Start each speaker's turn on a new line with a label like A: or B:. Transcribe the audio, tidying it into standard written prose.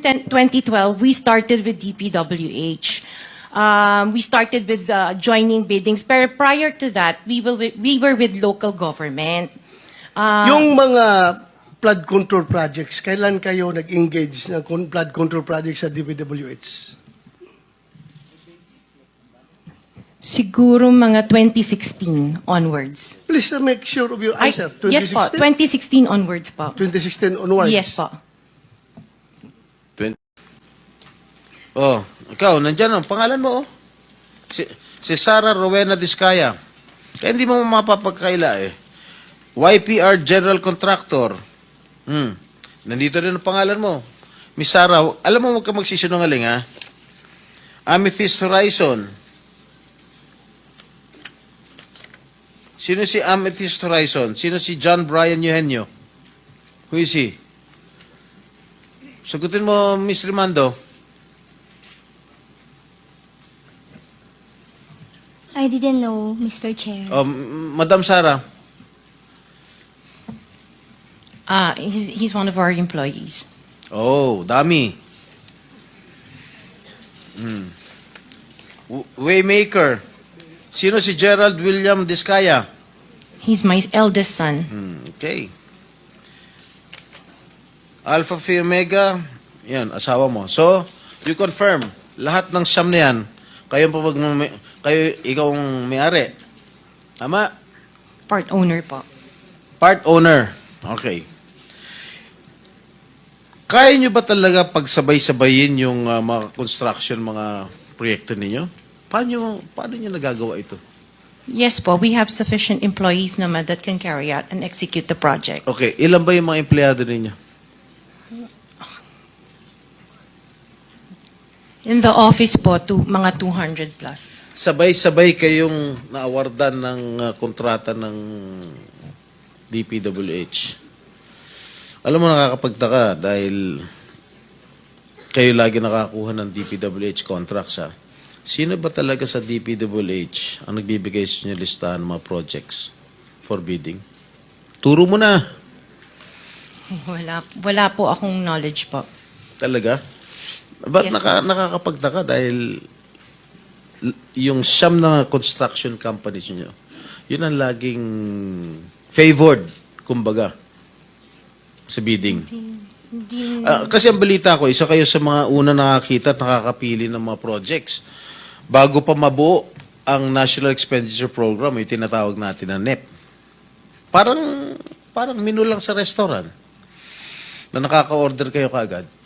A: 2012, we started with DPWH. We started with joining biddings. Pero prior to that, we were with local government.
B: Yung mga flood control projects, kailan kayo nag-engage ng flood control projects sa DPWH?
A: Siguro mga 2016 onwards.
B: Please make sure of your answer.
A: Yes po, 2016 onwards po.
B: 2016 onwards?
A: Yes po.
C: Oh, ikaw, nandyan ang pangalan mo, oh. Si Sara Rowena Discaya. Kaya hindi mo mapapagkaila, eh. YPR General Contractor. Nandito rin ang pangalan mo. Miss Sara, alam mo, huwag ka magsisinungaling, ha? Amethyst Horizon. Sino si Amethyst Horizon? Sino si John Brian Eugenio? Who is he? Sagutin mo, Miss Rimando.
D: I didn't know, Mr. Chair.
C: Oh, Madam Sara.
A: He's one of our employees.
C: Oh, dami. Waymaker. Sino si Gerald William Discaya?
A: He's my eldest son.
C: Okay. Alpha Phi Omega, yan, asawa mo. So, you confirm, lahat ng siyam na yan, ikaw ang may-ari. Tama?
A: Part owner po.
C: Part owner. Okay. Kaya nyo ba talaga pagsabay-sabayin yung mga construction, mga proyekto ninyo? Paano nyo nagagawa ito?
A: Yes po, we have sufficient employees naman that can carry out and execute the project.
C: Okay, ilan ba yung mga empleyado ninyo?
A: In the office po, mga 200 plus.
C: Sabay-sabay kayong naawardan ng kontrata ng DPWH. Alam mo, nakakapagtaka dahil kayo lagi nakakuha ng DPWH contracts, ha? Sino ba talaga sa DPWH ang nagbibigay sa inyo listahan ng mga projects for bidding? Turo mo na.
A: Wala po akong knowledge po.
C: Talaga? Ba't
A: Yes,
C: nakakapagtaka dahil yung siyam na construction companies nyo, yun ang laging favored, kumbaga, sa bidding. Kasi ang balita ko, isa kayo sa mga una nakakita at nakakapili ng mga projects. Bago pa mabuo ang National Expenditure Program, yung tinatawag natin na NEP. Parang menu lang sa restaurant na nakaka-order kayo kaagad.